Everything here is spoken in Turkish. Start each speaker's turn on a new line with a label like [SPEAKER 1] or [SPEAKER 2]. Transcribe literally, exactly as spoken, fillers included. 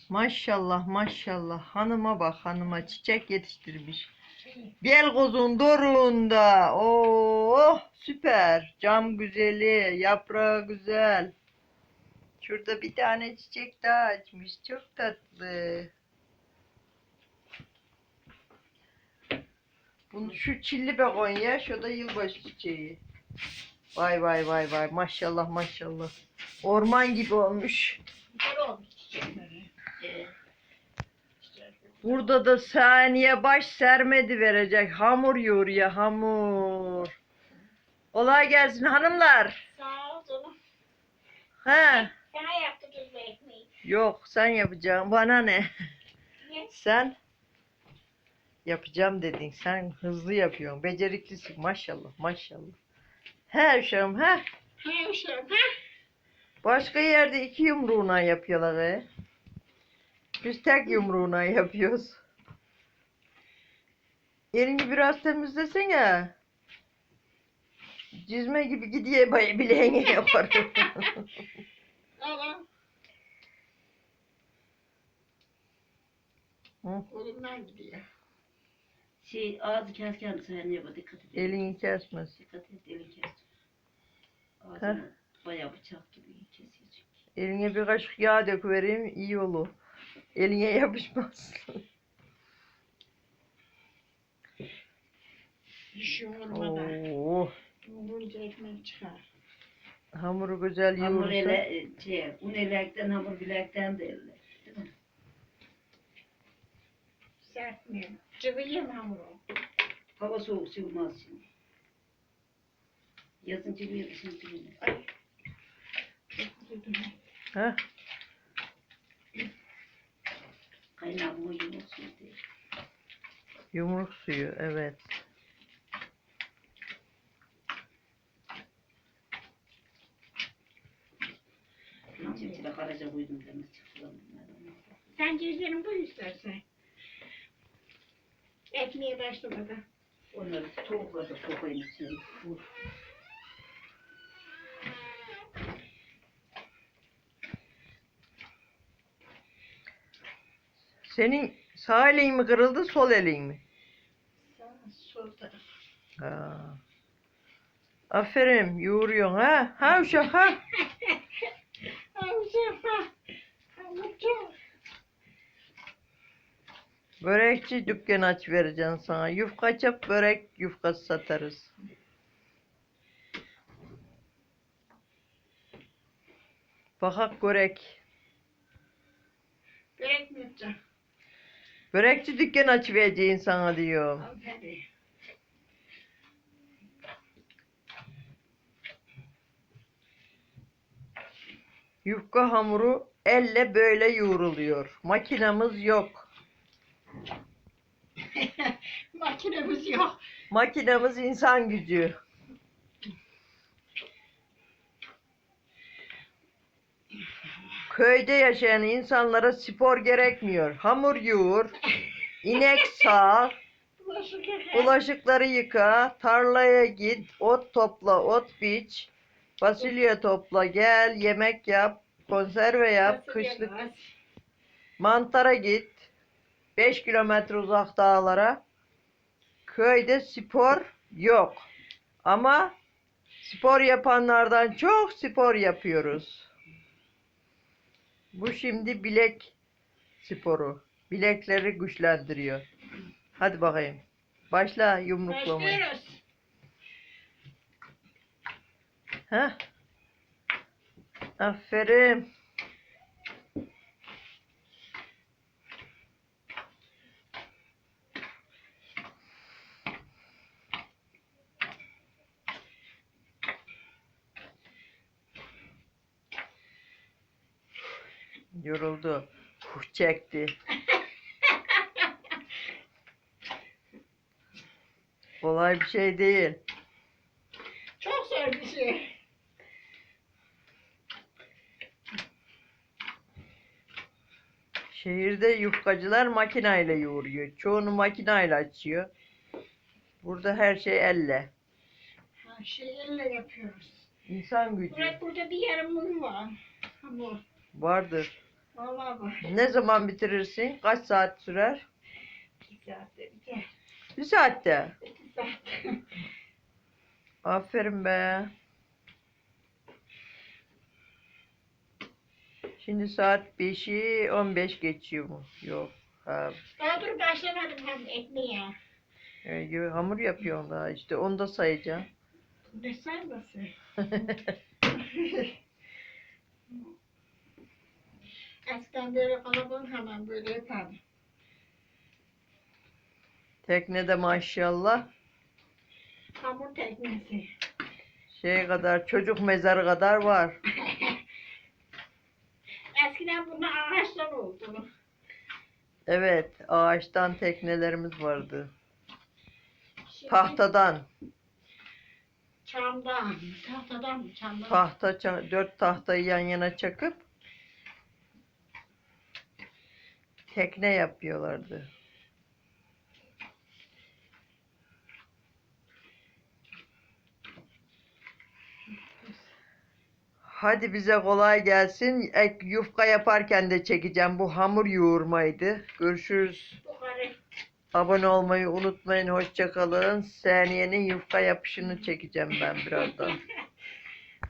[SPEAKER 1] Maşallah maşallah. Hanıma bak, hanıma çiçek yetiştirmiş. Bel kozun doruğunda. Oh süper. Cam güzeli, yaprağı güzel. Şurada bir tane çiçek daha açmış. Çok tatlı. Bunu şu çilli begonya, şu da yılbaşı çiçeği. Vay vay vay vay, maşallah maşallah. Orman gibi olmuş. Burada da saniye baş sermedi verecek. Hamur yoğuruyor, hamur. Kolay gelsin hanımlar.
[SPEAKER 2] Sağ ol canım.
[SPEAKER 1] He.
[SPEAKER 2] Sana yaptı tuzlu ekmeği.
[SPEAKER 1] Yok, sen yapacaksın. Bana ne?
[SPEAKER 2] Niye?
[SPEAKER 1] Sen yapacağım dedin. Sen hızlı yapıyorsun. Beceriklisin maşallah maşallah. He uşağım he.
[SPEAKER 2] He uşağım ha?
[SPEAKER 1] Başka yerde iki yumruğuna yapıyorlar he. Biz tek yumruğuna yapıyoruz. Elini biraz temizlesene. Cizme gibi gidiyor bay bileğine yaparım.
[SPEAKER 2] Al.
[SPEAKER 1] Hı?
[SPEAKER 2] Elimden gidiyor.
[SPEAKER 3] Şey ağzı kesken sen yapa dikkat et.
[SPEAKER 1] Elini kesmez.
[SPEAKER 3] Dikkat et elini kes.
[SPEAKER 1] Heh.
[SPEAKER 3] Ağzını bayağı bıçak gibi kesecek.
[SPEAKER 1] Eline bir kaşık yağ döküvereyim iyi olur. Eline yapışmaz.
[SPEAKER 2] İş yoğurmadan.
[SPEAKER 1] Oo,
[SPEAKER 2] Yoğurunca ekmek çıkar.
[SPEAKER 1] hamuru güzel
[SPEAKER 3] Hamur
[SPEAKER 1] yoğurursa.
[SPEAKER 3] ele, şey, un elekten hamur bilekten de elle. Değil mi?
[SPEAKER 2] Sertmiyor. Cıvıyım hamuru.
[SPEAKER 3] Hava soğuk sıvmaz şimdi. Yazın cıvıyor, kışın cıvıyor.
[SPEAKER 2] Ay. Çok üzüldüm.
[SPEAKER 1] Heh,
[SPEAKER 3] Kaynağımı yumursun diye.
[SPEAKER 1] yumruk suyu evet.
[SPEAKER 3] İncirtile karaca koydum demez çıktılar bunlar.
[SPEAKER 2] Sen cezlerini koy istersen. Ekmeğe başlamadan.
[SPEAKER 3] Onları tavukla da sokayım içine. Vur.
[SPEAKER 1] Senin sağ elin mi kırıldı, sol elin mi?
[SPEAKER 2] Sağ sol taraf.
[SPEAKER 1] Ha. Aferin, yoğuruyorsun ha. Ha uşak ha.
[SPEAKER 2] Avcım ha. Avcım.
[SPEAKER 1] Börekçi dükkanı aç vereceğim sana. Yufka çap börek yufkası satarız. Bakak börek.
[SPEAKER 2] Börek mi yapacağım?
[SPEAKER 1] Börekçi dükkanı aç vereceğim sana diyorum.
[SPEAKER 2] Al hadi.
[SPEAKER 1] Yufka hamuru elle böyle yoğruluyor. Makinamız yok.
[SPEAKER 2] Makinemiz yok.
[SPEAKER 1] Makinamız insan gücü. Köyde yaşayan insanlara spor gerekmiyor. Hamur yoğur, inek sağ,
[SPEAKER 2] Bulaşık yıka.
[SPEAKER 1] bulaşıkları yıka, tarlaya git, ot topla, ot biç, fasulye topla, gel, yemek yap, konserve yap,
[SPEAKER 2] Nasıl
[SPEAKER 1] kışlık
[SPEAKER 2] yemez?
[SPEAKER 1] mantara git, beş kilometre uzak dağlara. Köyde spor yok. Ama spor yapanlardan çok spor yapıyoruz. Bu şimdi bilek sporu. Bilekleri güçlendiriyor. Hadi bakayım. Başla yumruklamaya.
[SPEAKER 2] Başlıyoruz.
[SPEAKER 1] Heh. Aferin. Yoruldu. Huh çekti. Kolay bir şey değil.
[SPEAKER 2] Çok zor bir şey.
[SPEAKER 1] Şehirde yufkacılar makinayla yoğuruyor. Çoğunu makinayla açıyor. Burada her şey elle.
[SPEAKER 2] Ha, şey elle yapıyoruz.
[SPEAKER 1] İnsan gücü
[SPEAKER 2] Burada, burada bir yarım un var. Hamur.
[SPEAKER 1] vardır.
[SPEAKER 2] Vallahi bak.
[SPEAKER 1] Ne zaman bitirirsin? Kaç saat sürer?
[SPEAKER 3] İki saatte biter.
[SPEAKER 1] Bir saatte.
[SPEAKER 2] İki saat.
[SPEAKER 1] Aferin be. Şimdi saat beşi on beş geçiyor mu? Yok. Ha,
[SPEAKER 2] Daha dur başlamadım hem ekmeğe.
[SPEAKER 1] e, hamur yapıyorum daha işte. Onu da sayacağım.
[SPEAKER 2] Ne sayması? Eskiden böyle kalabalık hemen böyle yapardım.
[SPEAKER 1] Teknede maşallah
[SPEAKER 2] Hamur teknesi.
[SPEAKER 1] şey kadar çocuk mezarı kadar var.
[SPEAKER 2] Eskiden bunlar ağaçtan oldu.
[SPEAKER 1] Evet, ağaçtan teknelerimiz vardı.
[SPEAKER 2] Şimdi
[SPEAKER 1] Tahtadan,
[SPEAKER 2] çamdan, tahtadan mı çamdan?
[SPEAKER 1] tahta ça- dört tahtayı yan yana çakıp tekne yapıyorlardı. Hadi bize kolay gelsin. Ek yufka yaparken de çekeceğim. Bu hamur yoğurmaydı. Görüşürüz.
[SPEAKER 2] Bu karı.
[SPEAKER 1] Abone olmayı unutmayın. Hoşça kalın. Saniye'nin yufka yapışını çekeceğim ben birazdan.